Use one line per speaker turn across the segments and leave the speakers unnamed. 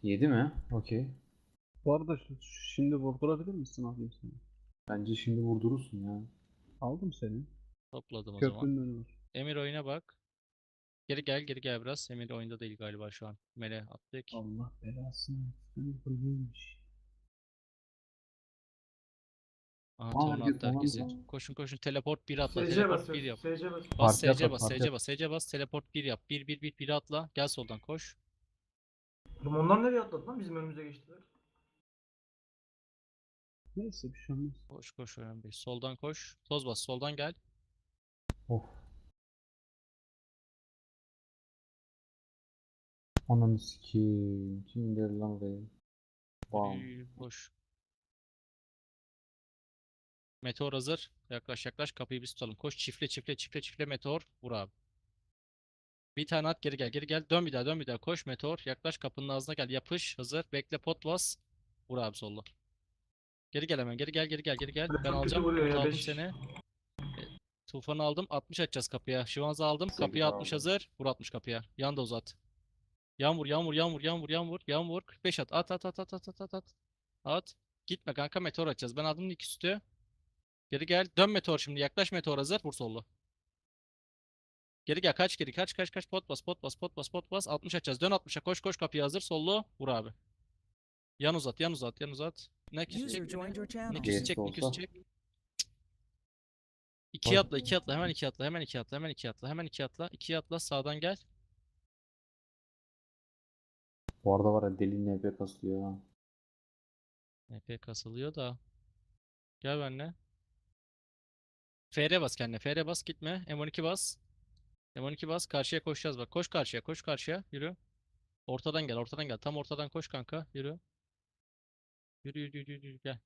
Yedi mi? Okey.
Bu arada şimdi vurdurabilir misin abi seni?
Bence şimdi vurdurursun ya.
Aldım seni.
Topladım o zaman.
Köprünün önü var.
Emir oyuna bak. Geri gel geri gel biraz. Emir oyunda değil galiba şu an. Mele attık.
Allah belasını. Seni hırlıymış.
Aha
Aa,
torna
herkes
attı
tamam
herkesi.
mı?
Koşun koşun teleport 1 atla.
SC
Teleport 1
basıyoruz.
yap.
SC basıyoruz.
Bas
Parti
SC
atla,
bas
parti
SC
atla.
bas SC bas. Teleport 1 yap. 1 atla. Gel soldan koş.
Oğlum onlar nereye atladı lan? Bizim önümüze geçtiler.
Neyse bir şey olmaz.
Koş koş önemli değil. Soldan koş. Toz bas soldan gel.
Of. Ananı sikeyim. Kim gelir lan oraya? Bam.
Yürü, koş. Meteor hazır. Yaklaş yaklaş kapıyı biz tutalım. Koş çifle meteor. Vur abi. Bir tane at geri gel geri gel. Dön bir daha dön bir daha. Koş meteor. Yaklaş kapının ağzına gel. Yapış hazır. Bekle pot bas. Vur abi solla. Geri gel hemen. Geri gel geri gel geri gel.
Böyle
Ben
çok kötü
alacağım.
vuruyor
Umut
ya.
aldım
5.
seni. Tufanı aldım. 60 açacağız kapıya. Şivanz'ı aldım.
Sekiz
Kapıya 60
aldım.
hazır. Vur 60 kapıya. Yan da uzat. Yan vur. 45 at. At. At. Gitme kanka meteor atacağız. Ben aldım ilk üstü. Geri gel. Dön meteor şimdi. Yaklaş meteor hazır. Vur sollu. Geri gel. Kaç geri. Kaç. Pot bas. 60 atacağız. Dön 60'a. Koş kapıya hazır. Sollu. Vur abi. Yan uzat. Ne küs
User
çek.
joined your channel.
Niküs
Gerisi
çek.
olsa.
Çek. 2 atla. Hemen 2 atla. Hemen 2 atla. Sağdan gel.
Bu arada var ya, deli NP kasıyor ya.
Epey kasılıyor da. Gel benimle. FR bas kendine. FR bas gitme. M12 bas. M12 bas. Karşıya koşacağız bak. Koş karşıya. Yürü. Ortadan gel. Tam ortadan koş kanka. Yürü. Yürü. Gel.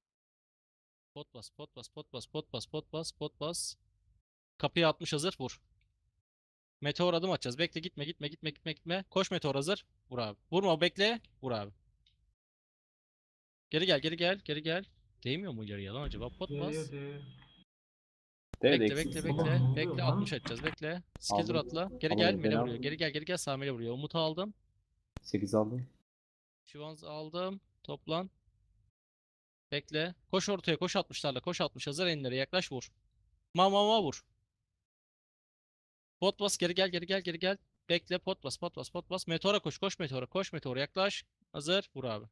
Pot bas. Kapıya 60 hazır. Vur. Meteor adım atacağız. Bekle gitme. Koş meteor hazır. Vur abi. Vurma bekle. Vur abi. Geri gel. Değmiyor mu yarıya lan acaba? Pot bas.
Değiyor.
Evet,
Bekle
eksiksin.
Oğlum, ne oluyor
bekle
lan?
60 atacağız bekle. Skill dur
Aldım.
atla. Geri gel
Alamadım,
mele
beni
vuruyor.
aldım.
Geri gel sağ mele vuruyor. Umut'u aldım.
8 aldım.
Şivanz aldım. Toplan. Bekle. Koş ortaya koş 60'larla. Koş 60 hazır enlere yaklaş vur. Vur. Pot bas geri gel. Bekle pot bas. Meteora koş meteora yaklaş. Hazır vur abi.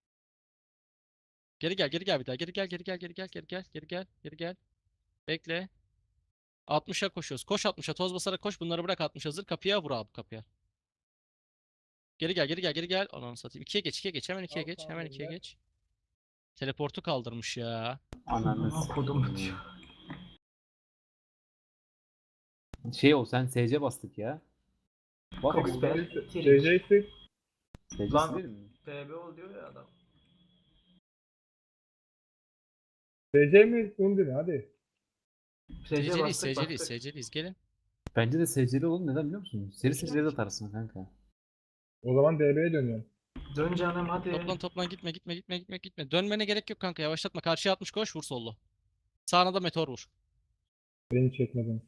Geri gel bir daha. Geri gel. Bekle. 60'a koşuyoruz. Koş 60'a toz basarak koş. Bunları bırak 60 hazır. Kapıya vur abi kapıya. Geri gel. Ananı satayım. 2'ye geç. Hemen 2'ye geç. Teleportu kaldırmış ya.
Ananı
Amına kodum
sikeyim.
diyor.
Şey o, sen SC bastık ya. Bak
Cox
bu
ben.
CC'si
SC
Lan-
silerim mi?
TB ol diyor ya adam.
CC mi Undine hadi.
SC bastık.
SC'liyiz. Gelin.
Bence de SC'li oğlum, neden biliyor musun? Seri seri atarsın kanka.
O zaman DB'ye dönüyorum.
Dön canım hadi.
Toplan gitme. Dönmene gerek yok kanka. Yavaşlatma. Karşıya 60 koş. Vur sollu. Sağına da meteor vur.
Beni çekmeden.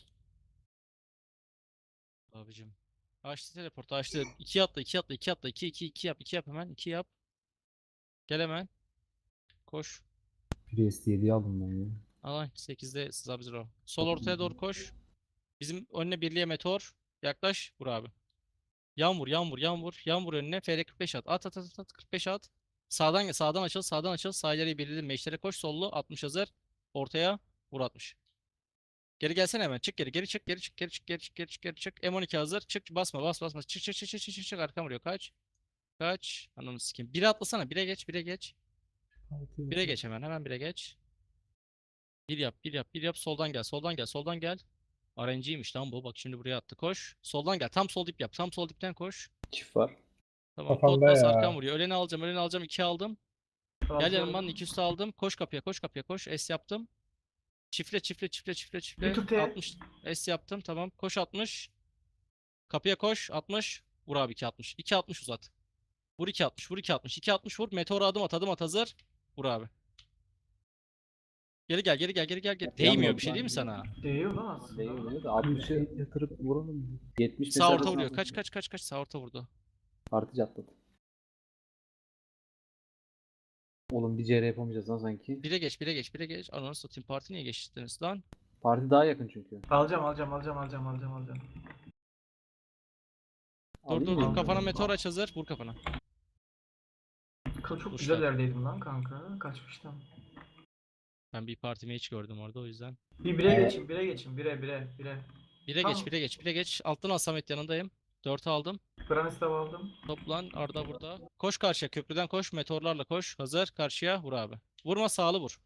Abicim. Açtı teleportu açtı. 2 atla. 2 yap hemen. 2 yap. Gel hemen. Koş.
Priest 7'yi aldım ben ya.
Alay 8'de Sub-Zero. Sol ortaya doğru koş. Bizim önüne birliğe meteor. Yaklaş. Vur abi. Yan vur önüne. FR 45 at. At 45 at. Sağdan açıl. Sağ ileriye birliğe meşlere koş. Sollu 60 hazır. Ortaya vur 60. Geri gelsene hemen. Çık geri çık. M12 hazır. Çık basma. Çık. Arkam vuruyor. Kaç. Ananı sikeyim. 1'e atlasana. 1'e geç. 1'e geç hemen 1'e geç. 1 yap. Soldan gel. RNG'ymiş lan bu. Bak şimdi buraya attı. Koş. Soldan gel. Tam sol dip yap. Tam sol dipten koş.
Çift var.
Tamam.
Kafamda
Pot bas.
ya.
Arkam vuruyor. Öleni alacağım. 2 aldım. Gel
Altı
yanımdan.
aldım.
2 üstü aldım. Koş kapıya. Koş. S yaptım. Çifle.
Bir tur T.
60. S yaptım. Tamam. Koş 60. Kapıya koş. 60. Vur abi 260. 260 uzat. Vur 260. 260 vur. Meteora adım at hazır. Vur abi. Geri gel. Değmiyor bir şey değil mi sana?
Değiyor lan aslında.
Değiyor da 60
şey yatırıp vuralım mı?
70
Sağ orta
mesela
vuruyor. Kaç. Sağ orta vurdu.
artı atladı. Oğlum bir CR yapamayacağız lan sanki.
1'e geç, 1'e geç, 1'e geç. Ananı satayım, parti niye geçtiniz lan?
Parti daha yakın çünkü.
Alacağım.
Dur
Alayım
dur
mı?
dur, kafana meteor aç hazır. Vur kafana.
Çok
Dur
güzel
şu an.
yerdeydim lan kanka. Kaçmıştım.
Ben bir partimi hiç gördüm orada o yüzden.
Bir bire geçin, bire geçin. Bire.
1'e
Tamam.
geç, 1'e geç, 1'e geç. Alttan al Samet, yanındayım. 4'ü aldım.
Granistav aldım.
Toplan, Arda burada. Koş karşıya, köprüden koş, meteorlarla koş. Hazır, karşıya vur abi. Vurma, sağlı vur.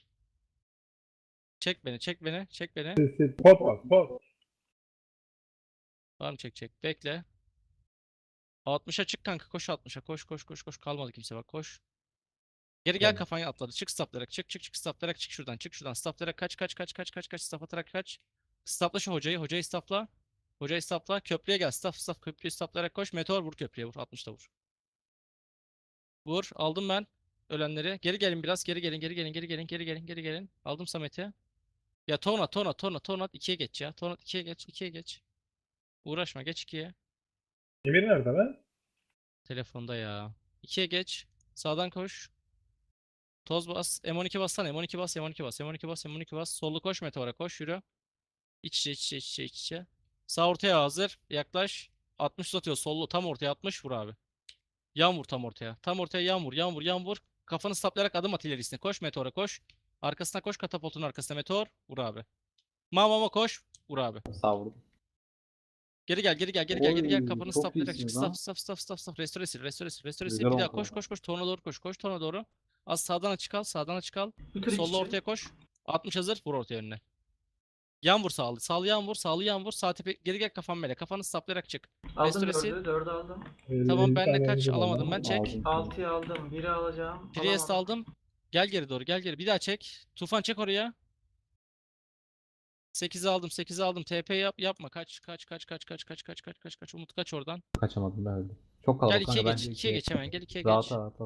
Çek beni, çek beni, çek beni.
Siz pot var, pot.
Var mı çek. Bekle. 60'a çık kanka, koş 60'a. Koş. Kalmadı kimse bak, koş. Geri gel,
Tamam.
kafayı atladı. Çık staplayarak, çık staplayarak, çık şuradan. Staplayarak kaç, staf atarak kaç. Stapla şu hocayı stapla. Hocayı stapla, köprüye gel. Staf, köprüyü staplayarak koş. Meteor vur köprüye, vur. 60'ta vur. Vur, aldım ben ölenleri. Geri gelin biraz, geri gelin. Aldım Samet'i. Ya ton at 2'ye geç ya. Ton at 2'ye geç. Uğraşma, geç 2'ye.
Emir nerede lan?
Telefonda ya. 2'ye geç. Sağdan koş. Toz bas. M12 bassana. M12 bas. Sollu koş, meteora koş, yürü. İç içe. Sağ ortaya hazır. Yaklaş. 60 uzatıyor. Sollu tam ortaya 60 vur abi. Yan vur tam ortaya. Tam ortaya yan vur. Kafanı saplayarak adım at ilerisine. Koş, meteora koş. Arkasına koş, katapultun arkasına meteor. Vur abi. Mama koş. Vur abi.
Sağ vurdum.
Geri gel. Kafanı
Çok
saplayarak çık.
iyisiniz lan.
Stop. Restore sil.
Güzel
Bir daha
oldu.
koş. Tona doğru koş. Tona doğru. Az sağdan açık al.
Bir tur iç
Solla
içe.
ortaya koş. 60 hazır. Vur ortaya önüne. Yan vur sağlı. Sağlı yan vur. Sağ tepe. Geri gel, kafan böyle. Kafanı saplayarak çık.
Aldım
Restore sil.
4'ü aldım.
Tamam,
50
ben de
tane
kaç
emir var
alamadım
lan.
ben, çek.
Aldım.
6'yı aldım. 1'i alacağım.
Priest
Alamadım.
aldım. Gel geri doğru. Bir daha çek. Tufan çek oraya. 8'i aldım. TP yapma. Kaç. Umut kaç oradan.
Kaçamadım ben öldüm. Çok
Gel
kalabalık
2'ye
kanka
geç.
bence
2'ye geç hemen. Gel 2'ye
Rahat
geç.
rahat.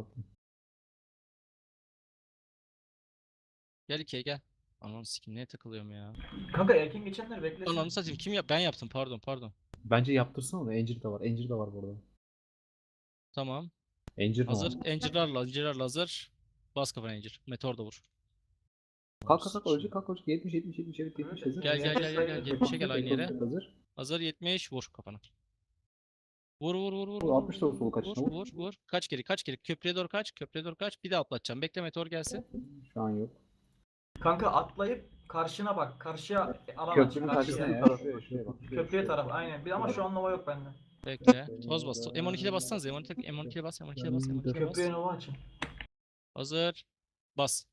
Gel 2'ye gel. Ananı sikim, neye takılıyorum ya.
Kanka erken geçenler beklesin.
Ananı satayım, kim yap? Ben yaptım, pardon.
Bence yaptırsın onu. Encir de var. Encir de var burada.
Tamam.
Encir mi
Hazır.
var?
Encirlerle hazır. Bas kafana encir. Meteor da vur.
Kalk ölecek. 70 hazır.
Gel. 70'e gel aynı yere.
Hazır.
Hazır 70 vur kafana. Vur.
60 da solu kaçışına vur.
Vur. Kaç geri. Köprüye doğru kaç. Bir daha atlatacağım. Bekle, meteor gelsin.
Şu an yok.
Kanka atlayıp karşına bak. Karşıya alan aç.
Köprünün karşısına
Karşıya.
ya. Şuraya bak.
Köprüye taraf aynen. Ama şu an Nova yok bende.
Bekle. Toz bas. M12'de bassanız. M12'de bas.
Köprüye Nova açın.
Hazır. Bas.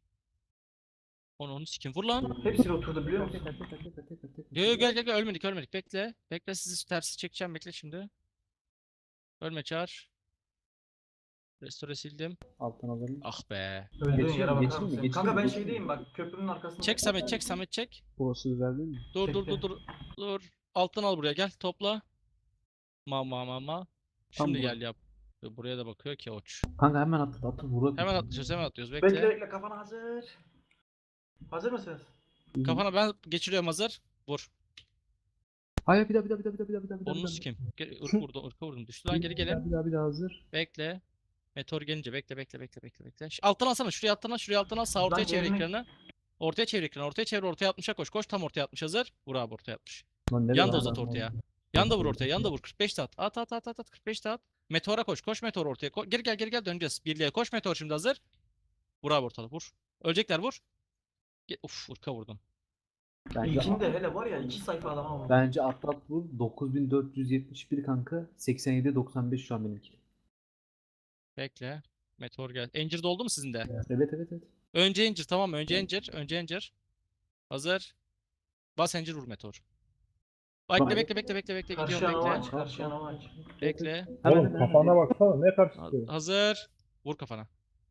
Onu sikim. Vur lan.
Hepsi oturdu biliyor musun?
Yo, gel. Ölmedik. Bekle, sizi tersi çekeceğim. Bekle şimdi. Ölme, çağır. Restore sildim.
Alttan alalım.
Ah be.
Öldüğün
Geçeyim
yere
mi,
bakar
geçeyim mi,
mısın?
geçeyim
Kanka
mi,
ben
geçeyim mi?
şeydeyim bak. Köprünün arkasında.
Çek Samet çek.
Burası güzel değil mi?
Dur. Alttan al buraya, gel topla. Ma. Şimdi
bu.
gel yap. Buraya da bakıyor ki oç.
Kanka hemen atla vur.
Hemen atlıyoruz.
Bekle
Bekle.
bekle kafana hazır. Hazır mısınız?
Kafana ben geçiriyorum, hazır. Vur.
Hayır bir daha.
Onu sikim. Irka vurdum. Düştü lan, geri gelin.
Bir daha hazır.
Bekle. Meteor gelince bekle. Alttan alsana. Şuraya alttan al. Sağ ortaya
Lan
çevir
yerine-
ekranı. Ortaya çevir ekranı. Ortaya 60'a koş. Koş tam ortaya 60 hazır. Vur abi ortaya 60.
Lan nereye
Yan da
lan?
uzat ortaya. Yan da vur ortaya. Yan da vur. 45 de at. At. 45 de at. Meteora koş. Koş meteor ortaya. Geri gel döneceğiz. Birliğe koş, meteor şimdi hazır. Vur abi ortada. Vur. Ölecekler, vur. Uf, ırka vurdum.
İlkinde hele var ya 2 sayfa adama vurdu.
Bence atlat vur. 9471 kanka. 87-95 şu an benimki.
Bekle. Meteor gel. Encir doldu mu sizin de?
Evet.
Önce Encir, tamam mı? Önce Encir. Hazır. Bas Encir, vur meteor. Bekle.
Karşıya
Gidiyorum,
Nova
bekle.
aç. Karşıya Nova aç.
Bekle.
Oğlum kafana baksana ne karşısı.
Hazır. Vur kafana.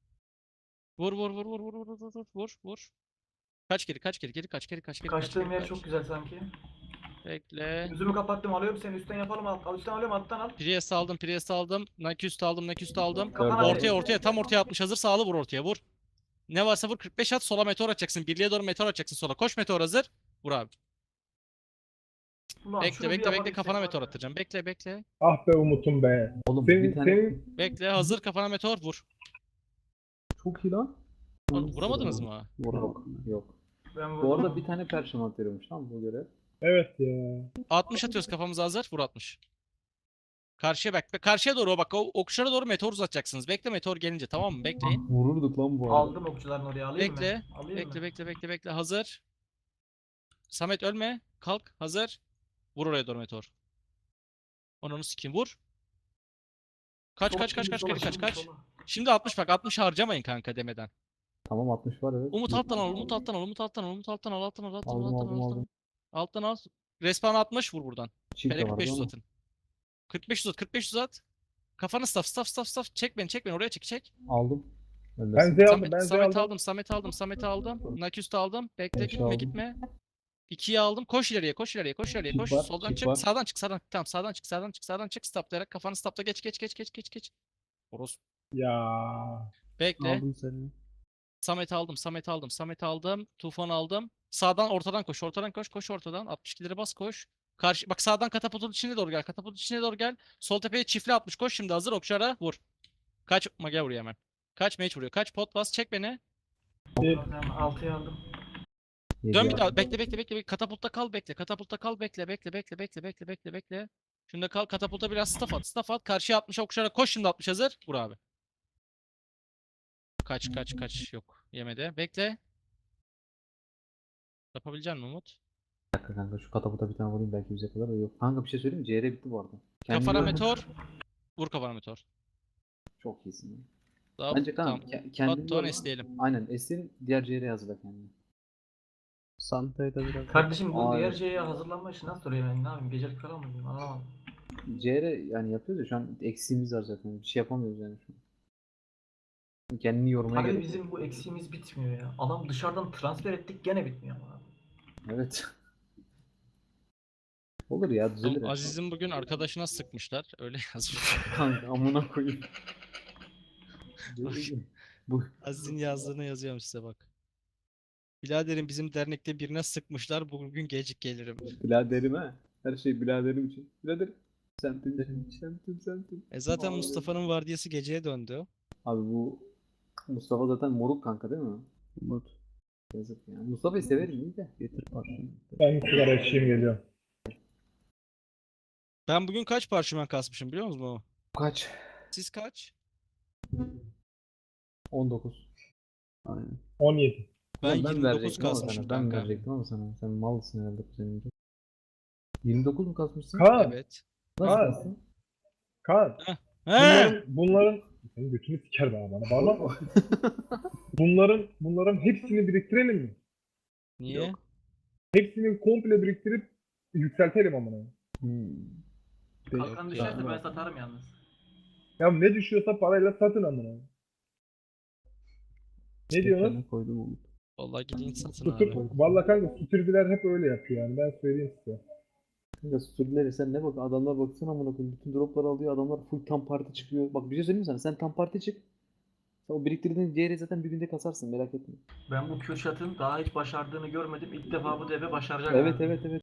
Vur. Kaç geri.
Kaçtığım yer çok güzel sanki.
Bekle.
Yüzümü kapattım alıyorum seni üstten yapalım al üstten alıyorum alttan al.
Priest aldım. Naküst aldım.
Kafana
Ortaya tam ortaya 60 hazır. Sağlı vur ortaya, vur. Ne varsa vur, 45 at, sola meteor atacaksın. Birliğe doğru meteor atacaksın sola. Koş, meteor hazır. Vur abi.
Ulan şunu bir
Bekle,
yapabilsek
kafana
var
meteor
ya.
atacağım. Bekle.
Ah be Umut'um be.
Oğlum bir tane
Senin
Bekle, hazır, kafana meteor vur.
Çok iyi lan.
Oğlum, vuramadınız mı?
Yok. Yok.
Ben
Bu
vurdum.
arada bir tane perşemant veriyormuş lan bu görev.
Evet ya.
60 atıyoruz kafamıza hazır. Vur 60. Karşıya bak. Karşıya doğru o bak. O okçulara doğru meteor uzatacaksınız. Bekle meteor gelince tamam mı? Bekleyin.
Vururduk lan bu arada.
Aldım okçuların oraya alayım mı?
Bekle.
Alayım
Bekle
mı?
bekle bekle bekle. Hazır. Samet ölme. Kalk. Hazır. Vur oraya doğru meteor. Onu sikeyim vur. Kaç
Sola,
kaç kaç
şimdi
kaç
sola,
geri kaç
şimdi
kaç.
sola.
Şimdi 60 bak 60 harcamayın kanka demeden.
Tamam 60 var evet.
Umut alttan al, Umut alttan al, Umut alttan al, Umut alttan al, alttan al, alttan al,
Aldım,
alttan al,
aldım,
alttan al.
aldım.
Alttan al. Respawn 60 vur buradan.
Çift de
Felek
vardı
45
ama.
uzatın. 45 uzat, 45 uzat. Kafanı staff. Çek beni, çek beni. Oraya çek.
Aldım.
Ben
Öndesin.
Z aldım.
Samet,
Ben Z
Samet
aldım.
aldım, Samet'i aldım. Naküstü aldım. Bekle,
Beşi
gitme,
aldım.
gitme. 2'yi aldım. Koş ileriye, koş.
Çift
Koş.
var,
Soldan
çift
çık.
var.
Sağdan çık, sağdan. Tamam, sağdan çık. Staplayarak kafanı stapla. Geç. Oros.
Ya.
Bekle.
Aldım seni.
Samet aldım. Tufan aldım. Sağdan ortadan koş. Koş ortadan. 62'leri bas koş. Karşı bak sağdan katapultun içine doğru gel. Sol tepeye çiftli 60 koş şimdi hazır okçara vur. Kaç mage vuruyor hemen. Kaç mage vuruyor. Kaç pot bas çek beni.
Tamam, 6'yı aldım.
Dön bir daha. Bekle. Katapultta kal bekle. Bekle. Şimdi kal katapulta biraz staff at. Karşıya 60 okçara koş şimdi 60 hazır. Vur abi. Kaç yok. Yemedi. Bekle. Yapabilecek misin Umut?
Bir dakika kanka şu kataputa bir tane vurayım belki bize kadar da yok. Kanka bir şey söyleyeyim mi? CR bitti bu arada.
Kafana
Kendini-
meteor. Vur kafana meteor.
Çok iyisin. Ya.
Daha
Bence
tamam.
kanka kendini
Batuhan
yorma.
esneyelim.
Aynen Esin diğer CR'ye hazırla kendini.
Santa'yı da biraz.
Kardeşim bu
Aa,
diğer
evet.
şeye hazırlanma işi nasıl oluyor ben ne yapayım? Gecelik falan mı diyeyim? Anlamadım.
CR yani yapıyoruz ya şu an eksiğimiz var zaten. Bir şey yapamıyoruz yani şu an. Kendini yormaya
Abi
gerek
bizim
yok.
bu eksiğimiz bitmiyor ya. Adam dışarıdan transfer ettik gene bitmiyor ama.
Evet. Olur ya düzelir.
Oğlum,
ya.
Aziz'in bugün arkadaşına sıkmışlar. Öyle yazmış.
Kanka amına koyayım. Bu
Aziz'in yazdığını yazıyorum size bak. Biraderim bizim dernekte birine sıkmışlar. Bugün gecik gelirim.
biraderim ha. Her şey biraderim için. Biraderim. Semtim.
Zaten
Abi.
Mustafa'nın vardiyası geceye döndü.
Abi bu Mustafa zaten moruk kanka değil mi?
Umut.
Yazık ya. Mustafa'yı severim iyi de.
Getir parçanı.
Ben sigara içeyim geliyorum.
Ben bugün kaç parşömen kasmışım biliyor musunuz?
Kaç?
Siz kaç?
19.
Aynen.
17.
Ben
Ulan
29
verecektim ama
kasmışım
sana. Ben
kanka.
verecektim ama sana. Sen malsın herhalde kuzenim. 29 mu kasmışsın?
Kaan.
Evet.
Nasıl
Kaan.
kastın?
Kaan.
He!
Bunların senin götünü siker be bana. Bağırma. bunların hepsini biriktirelim mi?
Niye?
Hepsini komple biriktirip yükseltelim amına.
Kalkan
Yok
düşerse
ya.
ben satarım yalnız.
Ya ne düşüyorsa parayla satın amına. Ne diyorsunuz?
Kendine koydum Umut.
Vallahi gidin satın
Tutup,
abi.
valla kanka sütürcüler hep öyle yapıyor yani ben söyleyeyim size.
Kanka sürüleri sen ne bak adamlar baksana amına koyayım. Bütün dropları alıyor adamlar full tam parti çıkıyor. Bak bir şey söyleyeyim mi sana? Sen tam parti çık. Sen o biriktirdiğin CR'yi zaten bir günde kasarsın merak etme.
Ben bu Kürşat'ın daha hiç başardığını görmedim. İlk defa bu deve başaracak.
Evet
abi.
evet evet.